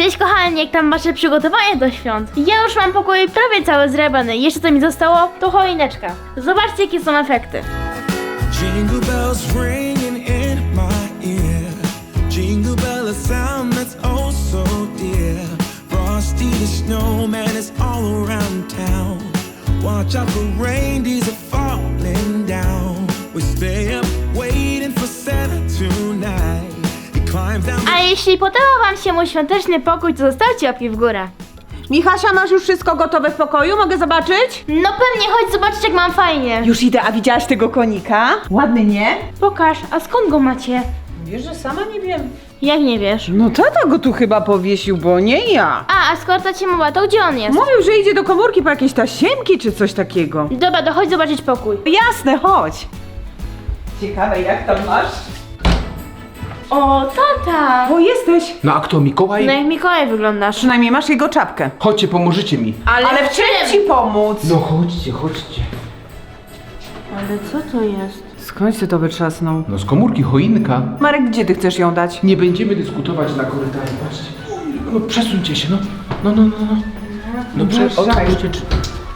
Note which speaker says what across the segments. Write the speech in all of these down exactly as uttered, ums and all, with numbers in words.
Speaker 1: Cześć kochani, jak tam wasze przygotowania do świąt? Ja już mam pokój prawie cały zrebany. Jeszcze co mi zostało, to choineczka. Zobaczcie jakie są efekty.
Speaker 2: Jingle bells ringing in my ear. Jingle bell, a sound that's oh so dear. Frosty the snowman is all around town. Watch out for reindeers are falling down. We stay up waiting for Santa tonight. He climbs down the...
Speaker 1: A jeśli podobał wam się mój świąteczny pokój, to zostawcie łapki w górę.
Speaker 3: Michasia, masz już wszystko gotowe w pokoju? Mogę zobaczyć?
Speaker 1: No pewnie, chodź zobaczyć jak mam fajnie.
Speaker 3: Już idę, a widziałaś tego konika? Ładny, nie?
Speaker 1: Pokaż, a skąd go macie?
Speaker 3: Wiesz, że sama nie wiem.
Speaker 1: Jak nie wiesz?
Speaker 3: No tata go tu chyba powiesił, bo nie ja.
Speaker 1: A, a skoro ta cię mowa, to gdzie on jest?
Speaker 3: Mówił, że idzie do komórki po jakieś tasiemki czy coś takiego.
Speaker 1: Dobra, to chodź zobaczyć pokój.
Speaker 3: Jasne, chodź. Ciekawe, jak tam masz?
Speaker 1: O, tata!
Speaker 3: O, jesteś.
Speaker 4: No a kto, Mikołaj?
Speaker 1: No jak Mikołaj wyglądasz.
Speaker 3: Przynajmniej masz jego czapkę.
Speaker 4: Chodźcie, pomożecie mi.
Speaker 1: Ale,
Speaker 3: Ale w czym ci pomóc?
Speaker 4: No chodźcie, chodźcie.
Speaker 1: Ale co to jest?
Speaker 3: Skądś ty to wytrzasnął?
Speaker 4: No z komórki choinka.
Speaker 3: Marek, gdzie ty chcesz ją dać?
Speaker 4: Nie będziemy dyskutować na korytarzu, patrzcie. No przesuńcie się, no. No, no, no, no. No prze...
Speaker 3: Uważaj.
Speaker 4: otwórzcie drzwi.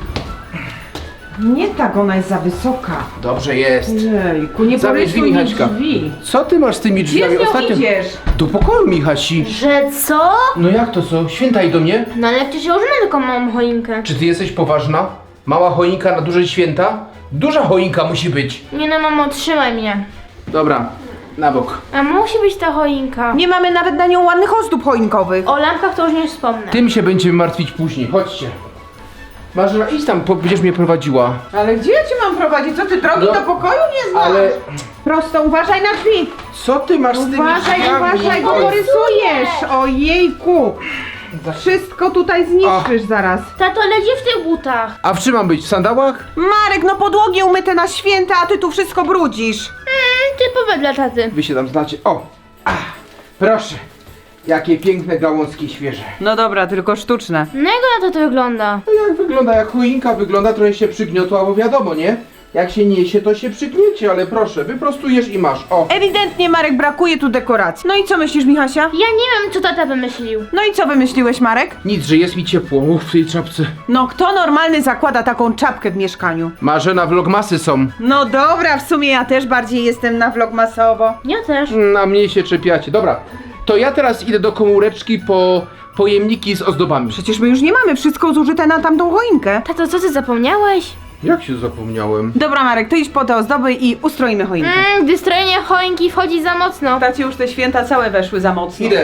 Speaker 3: Nie tak, ona jest za wysoka.
Speaker 4: Dobrze jest.
Speaker 3: Jejku, nie
Speaker 4: Zamknij drzwi,
Speaker 3: porysuj mi
Speaker 4: Michaśka.
Speaker 3: drzwi.
Speaker 4: Co ty masz z tymi
Speaker 3: Gdzie
Speaker 4: drzwiami?
Speaker 3: z nią idziesz?
Speaker 4: Do pokoju, Michasi.
Speaker 1: Że co?
Speaker 4: No jak to co? Świętaj do mnie.
Speaker 1: No ale przecież ja już mam tylko małą choinkę.
Speaker 4: Czy ty jesteś poważna? Mała choinka na duże święta? Duża choinka musi być.
Speaker 1: Nie no mamo, trzymaj mnie.
Speaker 4: Dobra, na bok.
Speaker 1: A musi być ta choinka.
Speaker 3: Nie mamy nawet na nią ładnych ozdób choinkowych.
Speaker 1: O lampkach to już nie wspomnę.
Speaker 4: Tym się będziemy martwić później, chodźcie. Marzena, idź tam, po- będziesz mnie prowadziła.
Speaker 3: Ale gdzie ja cię mam prowadzić? Co ty, drogi
Speaker 4: No,
Speaker 3: do pokoju nie znasz?
Speaker 4: Ale
Speaker 3: Prosto, uważaj na drzwi.
Speaker 4: co ty masz z tymi
Speaker 3: Uważaj,
Speaker 4: drzwiami?
Speaker 3: uważaj, bo
Speaker 4: Oj,
Speaker 3: porysujesz. Ojejku. Wszystko tutaj zniszczysz zaraz.
Speaker 1: Tato, leci w tych butach.
Speaker 4: A w czym mam być? W sandałach?
Speaker 3: Marek, no podłogi umyte na święta, a ty tu wszystko brudzisz.
Speaker 1: Mm, typowe dla taty.
Speaker 4: Wy się tam znacie. O! Ach, proszę. Jakie piękne gałązki świeże.
Speaker 3: No dobra, tylko sztuczne.
Speaker 1: No jak na to to wygląda?
Speaker 4: No jak wygląda, jak choinka wygląda, trochę się przygniotła, bo wiadomo, nie? Jak się niesie, to się przygniecie, ale proszę, wyprostujesz i masz. O!
Speaker 3: Ewidentnie, Marek, brakuje tu dekoracji. No i co myślisz, Michasia?
Speaker 1: Ja nie wiem co tata wymyślił.
Speaker 3: No i co wymyśliłeś, Marek?
Speaker 4: Nic, że jest mi ciepło. Uff, w tej czapce.
Speaker 3: No kto normalny zakłada taką czapkę w mieszkaniu?
Speaker 4: Marzena, vlogmasy są.
Speaker 3: No dobra, w sumie ja też bardziej jestem na vlogmasowo.
Speaker 1: Ja też.
Speaker 4: Na mnie się czepiacie. Dobra, to ja teraz idę do komóreczki po pojemniki z ozdobami.
Speaker 3: Przecież my już nie mamy, wszystko zużyte na tamtą choinkę.
Speaker 1: Tato, co ty zapomniałeś?
Speaker 4: Jak się zapomniałem?
Speaker 3: Dobra, Marek, to idź po te ozdoby i ustroimy choinkę.
Speaker 1: Mmm, gdy strojenie choinki wchodzi za mocno.
Speaker 3: Tacie już te święta całe weszły za mocno.
Speaker 4: Idę.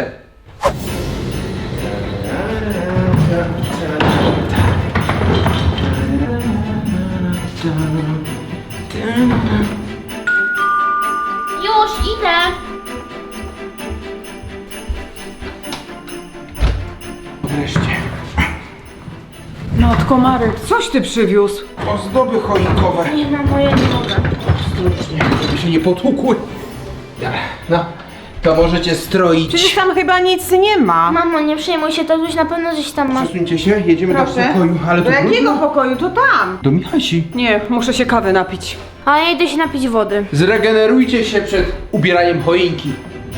Speaker 1: Już idę.
Speaker 4: Wreszcie.
Speaker 3: Matko, Marek, coś ty przywiózł?
Speaker 4: Ozdoby choinkowe.
Speaker 1: Nie mamo, ja nie mogę.
Speaker 4: Ostrożnie, żeby się nie potłukły. Dobra, no, to możecie stroić.
Speaker 3: Przecież tam chyba nic nie ma.
Speaker 1: Mamo, nie przejmuj się, tatuś na pewno coś tam ma.
Speaker 4: Przesuńcie się, jedziemy
Speaker 3: Proszę.
Speaker 4: do pokoju. Ale
Speaker 3: Do
Speaker 4: to
Speaker 3: jakiego
Speaker 4: brudno.
Speaker 3: pokoju? To tam.
Speaker 4: Do Michasi.
Speaker 3: Nie, muszę się kawy napić.
Speaker 1: A ja idę się napić wody.
Speaker 4: Zregenerujcie się przed ubieraniem choinki.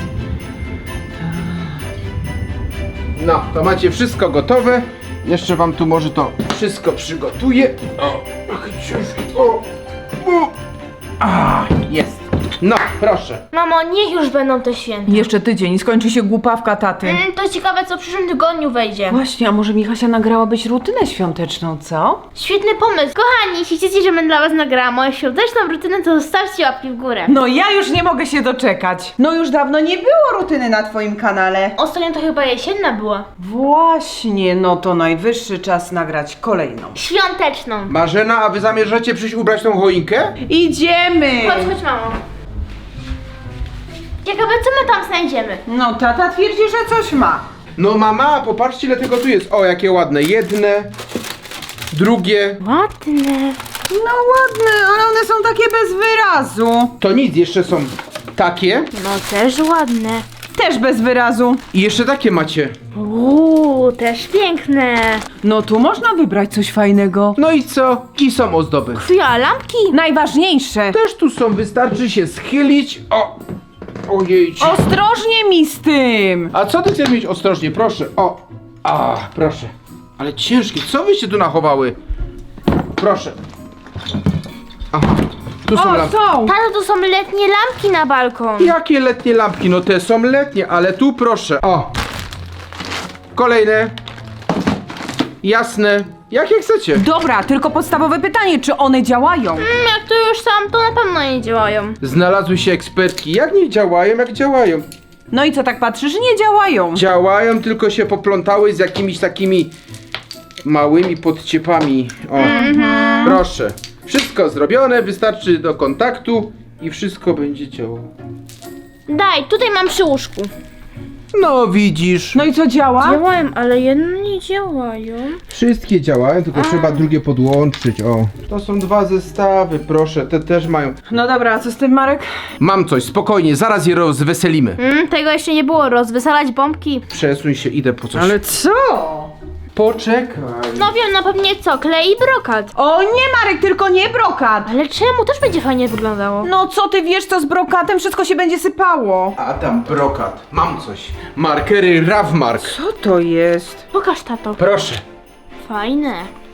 Speaker 4: No, to macie wszystko gotowe. Jeszcze wam tu może to wszystko przygotuję. O, trochę ciężko. O, o. A, jest. No, proszę.
Speaker 1: Mamo, niech już będą te święta.
Speaker 3: Jeszcze tydzień, skończy się głupawka taty.
Speaker 1: Mm, to ciekawe co w przyszłym tygodniu wejdzie.
Speaker 3: Właśnie, a może Michasia nagrałabyś rutynę świąteczną, co?
Speaker 1: Świetny pomysł. Kochani, jeśli chcecie, żebym dla was nagrała moją świąteczną rutynę, to zostawcie łapki w górę.
Speaker 3: No ja już nie mogę się doczekać. No już dawno nie było rutyny na twoim kanale.
Speaker 1: Ostatnio to chyba jesienna była.
Speaker 3: Właśnie, no to najwyższy czas nagrać kolejną.
Speaker 1: Świąteczną.
Speaker 4: Marzena, a wy zamierzacie przyjść ubrać tą choinkę?
Speaker 3: Idziemy!
Speaker 1: Chodź, chodź mamo. Ciekawe co my tam znajdziemy.
Speaker 3: No tata twierdzi, że coś ma.
Speaker 4: No mama, popatrzcie ile tego tu jest. O, jakie ładne. Jedne, drugie.
Speaker 1: Ładne.
Speaker 3: No ładne, ale one są takie bez wyrazu.
Speaker 4: To nic, jeszcze są takie.
Speaker 1: No też ładne.
Speaker 3: Też bez wyrazu.
Speaker 4: I jeszcze takie macie.
Speaker 1: Uuu, też piękne.
Speaker 3: No tu można wybrać coś fajnego.
Speaker 4: No i co? I są ozdoby.
Speaker 1: Chwila, lampki.
Speaker 3: Najważniejsze.
Speaker 4: Też tu są, wystarczy się schylić. O! Ojej.
Speaker 3: Ostrożnie mi z tym!
Speaker 4: A co ty chcesz mieć ostrożnie? Proszę. O. A, proszę. Ale ciężkie. Co wyście tu nachowały? Proszę. Aha. Tu są
Speaker 3: O,
Speaker 4: lampki.
Speaker 3: są!
Speaker 1: Tato, to są letnie lampki na balkon.
Speaker 4: Jakie letnie lampki? No te są letnie, ale tu proszę. O. Kolejne. Jasne. Jakie chcecie?
Speaker 3: Dobra, tylko podstawowe pytanie, czy one działają?
Speaker 1: Mm, jak to już sam, to na pewno nie działają.
Speaker 4: Znalazły się ekspertki. Jak nie działają, jak działają?
Speaker 3: No i co tak patrzysz? Nie działają.
Speaker 4: Działają, tylko się poplątały z jakimiś takimi małymi podciepami. O, proszę. Wszystko zrobione, wystarczy do kontaktu i wszystko będzie działało.
Speaker 1: Daj, tutaj mam przy łóżku.
Speaker 4: No widzisz.
Speaker 3: No i co działa?
Speaker 1: Działają, ale jedne nie działają.
Speaker 4: Wszystkie działają, tylko trzeba drugie podłączyć. O, to są dwa zestawy, proszę, te też mają.
Speaker 3: No dobra, a co z tym, Marek?
Speaker 4: Mam coś, spokojnie, zaraz je rozweselimy.
Speaker 1: Mm, tego jeszcze nie było, rozwysalać bombki.
Speaker 4: Przesuń się, idę po coś.
Speaker 3: co?
Speaker 4: Poczekaj.
Speaker 1: No wiem, no pewnie co, klej i brokat.
Speaker 3: O nie, Marek, tylko nie brokat!
Speaker 1: Ale czemu? Też będzie fajnie wyglądało.
Speaker 3: No co ty wiesz, co z brokatem? Wszystko się będzie sypało.
Speaker 4: A tam brokat, mam coś. Markery Ravmark.
Speaker 3: Co to jest?
Speaker 1: Pokaż, tato.
Speaker 4: Proszę.
Speaker 1: Fajne.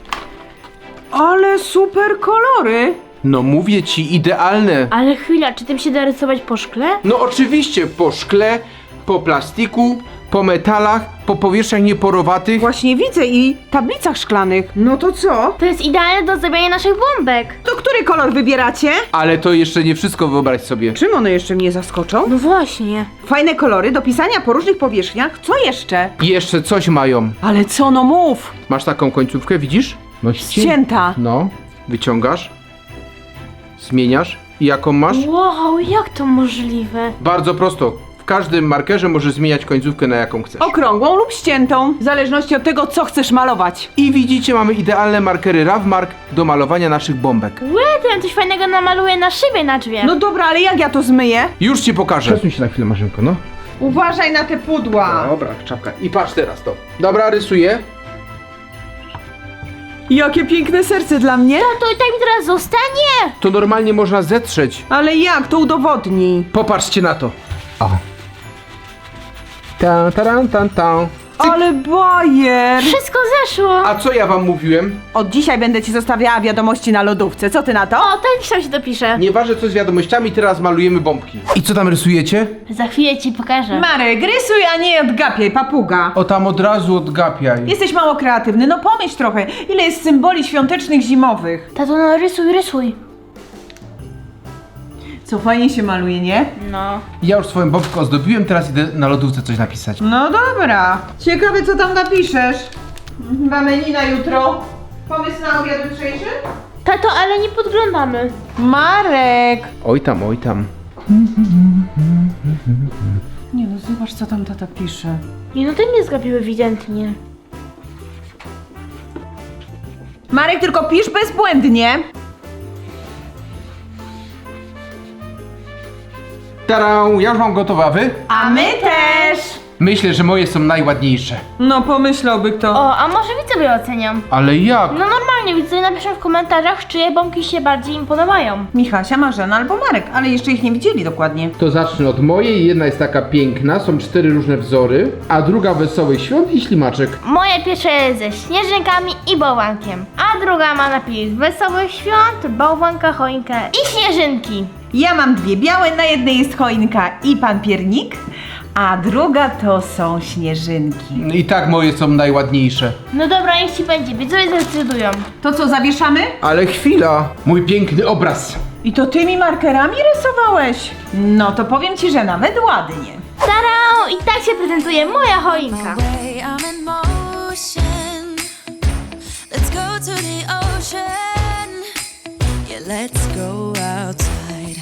Speaker 3: Ale super kolory!
Speaker 4: No mówię ci, idealne.
Speaker 1: Ale chwila, czy tym się da rysować po szkle?
Speaker 4: No oczywiście, po szkle, po plastiku, po metalach, po powierzchniach nieporowatych.
Speaker 3: Właśnie widzę i tablicach szklanych. No to co?
Speaker 1: To jest idealne do zdobienia naszych bombek.
Speaker 3: To który kolor wybieracie?
Speaker 4: Ale to jeszcze nie wszystko, wyobraź sobie.
Speaker 3: Czym one jeszcze mnie zaskoczą?
Speaker 1: No właśnie.
Speaker 3: Fajne kolory do pisania po różnych powierzchniach. Co jeszcze?
Speaker 4: I jeszcze coś mają.
Speaker 3: Ale co, no mów!
Speaker 4: Masz taką końcówkę, widzisz? No
Speaker 3: Ścięta.
Speaker 4: No, wyciągasz, zmieniasz i jaką masz?
Speaker 1: Wow, jak to możliwe?
Speaker 4: Bardzo prosto. W każdym markerze możesz zmieniać końcówkę na jaką chcesz.
Speaker 3: Okrągłą lub ściętą, w zależności od tego, co chcesz malować.
Speaker 4: I widzicie, mamy idealne markery Ravmark do malowania naszych bombek.
Speaker 1: Łe, to ja coś fajnego namaluję na szybie na drzwiach.
Speaker 3: No dobra, ale jak ja to zmyję?
Speaker 4: Już ci pokażę. Przesuń się na chwilę, Marzynko, no.
Speaker 3: Uważaj na te pudła.
Speaker 4: Dobra, czapka. I patrz teraz to. Dobra, rysuję.
Speaker 3: Jakie piękne serce dla mnie.
Speaker 1: To i tak mi teraz zostanie.
Speaker 4: To normalnie można zetrzeć.
Speaker 3: Ale jak to udowodni?
Speaker 4: Popatrzcie na to. O. Ta, taran, tan, tan.
Speaker 3: Ale bajer!
Speaker 1: Wszystko zeszło.
Speaker 4: A co ja wam mówiłem?
Speaker 3: Od dzisiaj będę ci zostawiała wiadomości na lodówce. Co ty na to?
Speaker 1: O, tak sam się dopisze.
Speaker 4: Nieważne co z wiadomościami, teraz malujemy bombki. I co tam rysujecie?
Speaker 1: Za chwilę ci pokażę.
Speaker 3: Marek, rysuj, a nie odgapiaj, papuga.
Speaker 4: O, tam od razu odgapiaj.
Speaker 3: Jesteś mało kreatywny, no pomyśl trochę. Ile jest symboli świątecznych, zimowych?
Speaker 1: Tato, no rysuj, rysuj.
Speaker 3: Co fajnie się maluje, nie?
Speaker 1: No.
Speaker 4: Ja już swoją bombkę ozdobiłem, teraz idę na lodówce coś napisać.
Speaker 3: No dobra. Ciekawe, co tam napiszesz. Mamy na jutro. Pomysł na obiad jutrzejszy?
Speaker 1: Tato, ale nie podglądamy.
Speaker 3: Marek!
Speaker 4: Oj tam, oj tam.
Speaker 3: Nie no, zobacz, co tam tata pisze.
Speaker 1: Nie, no to nie zgapił ewidentnie.
Speaker 3: Marek, tylko pisz bezbłędnie.
Speaker 4: Tarą, ja już mam gotowe, a wy?
Speaker 3: A my też!
Speaker 4: Myślę, że moje są najładniejsze.
Speaker 3: No, pomyślałby kto.
Speaker 1: O, a może widzowie ocenią?
Speaker 4: Ale jak?
Speaker 1: No normalnie, widzowie napiszą w komentarzach, czyje bombki się bardziej im podobają.
Speaker 3: Michasia, Marzena albo Marek, ale jeszcze ich nie widzieli dokładnie.
Speaker 4: To zacznę od mojej. Jedna jest taka piękna, są cztery różne wzory, a druga Wesołych Świąt i Ślimaczek.
Speaker 1: Moja pierwsza jest ze śnieżynkami i bałwankiem, a druga ma napis Wesołych Świąt, bałwanka, choinkę i śnieżynki.
Speaker 3: Ja mam dwie białe, na jednej jest choinka i pan piernik, a druga to są śnieżynki.
Speaker 4: I tak moje są najładniejsze.
Speaker 1: No dobra, niech ci będzie, widzowie zdecydują.
Speaker 3: To co, zawieszamy?
Speaker 4: Ale chwila, mój piękny obraz.
Speaker 3: I to tymi markerami rysowałeś? No to powiem ci, że nawet ładnie.
Speaker 1: Tarau! I tak się prezentuje moja choinka.
Speaker 5: way, I'm in motion. Let's go to the ocean. Yeah, let's go outside.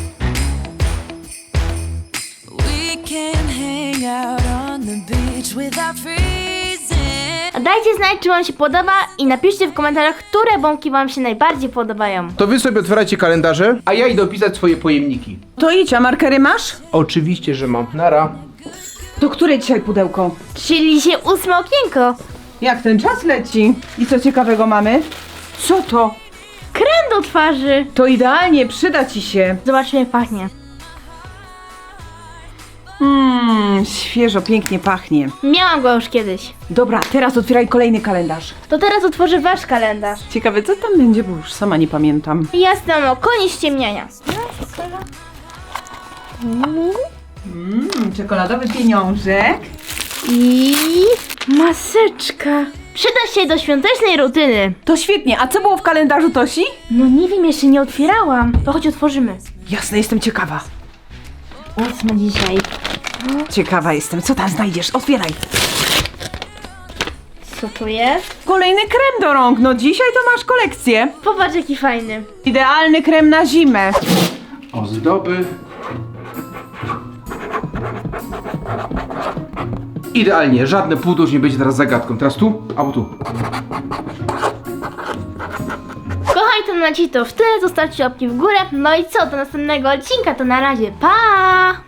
Speaker 5: We can hang out on the beach without freezing.
Speaker 1: A dajcie znać, czy wam się podoba i napiszcie w komentarzach, które bombki wam się najbardziej podobają.
Speaker 4: To wy sobie otwierajcie kalendarze, a ja idę opisać swoje pojemniki.
Speaker 3: To idź, a markery masz?
Speaker 4: Oczywiście, że mam. Nara.
Speaker 3: To które dzisiaj pudełko?
Speaker 1: Czyli się ósme okienko.
Speaker 3: Jak ten czas leci? I co ciekawego mamy? Co to?
Speaker 1: Krem do twarzy.
Speaker 3: To idealnie, przyda ci się.
Speaker 1: Zobaczmy jak pachnie.
Speaker 3: Mmm, świeżo, pięknie pachnie.
Speaker 1: Miałam go już kiedyś.
Speaker 3: Dobra, teraz otwieraj kolejny kalendarz.
Speaker 1: To teraz otworzę wasz kalendarz.
Speaker 3: Ciekawe, co tam będzie, bo już sama nie pamiętam.
Speaker 1: Jasne, mamo, koniec ściemniania.
Speaker 3: Mmm, czekoladowy pieniążek.
Speaker 1: I maseczka. Przyda się do świątecznej rutyny.
Speaker 3: To świetnie, a co było w kalendarzu Tosi?
Speaker 1: No nie wiem, jeszcze nie otwierałam. To chodź otworzymy.
Speaker 3: Jasne, jestem ciekawa.
Speaker 1: Ósmy dzisiaj.
Speaker 3: Ciekawa jestem, co tam znajdziesz? Otwieraj.
Speaker 1: Co to jest?
Speaker 3: Kolejny krem do rąk, no dzisiaj to masz kolekcję.
Speaker 1: Popatrz jaki fajny.
Speaker 3: Idealny krem na zimę.
Speaker 4: Ozdoby. Idealnie, żadne pudło już nie będzie teraz zagadką. Teraz tu, albo tu.
Speaker 1: Kochani, to na ci to w tyle. Zostawcie łapki w górę. No i co, do następnego odcinka. To na razie. Pa!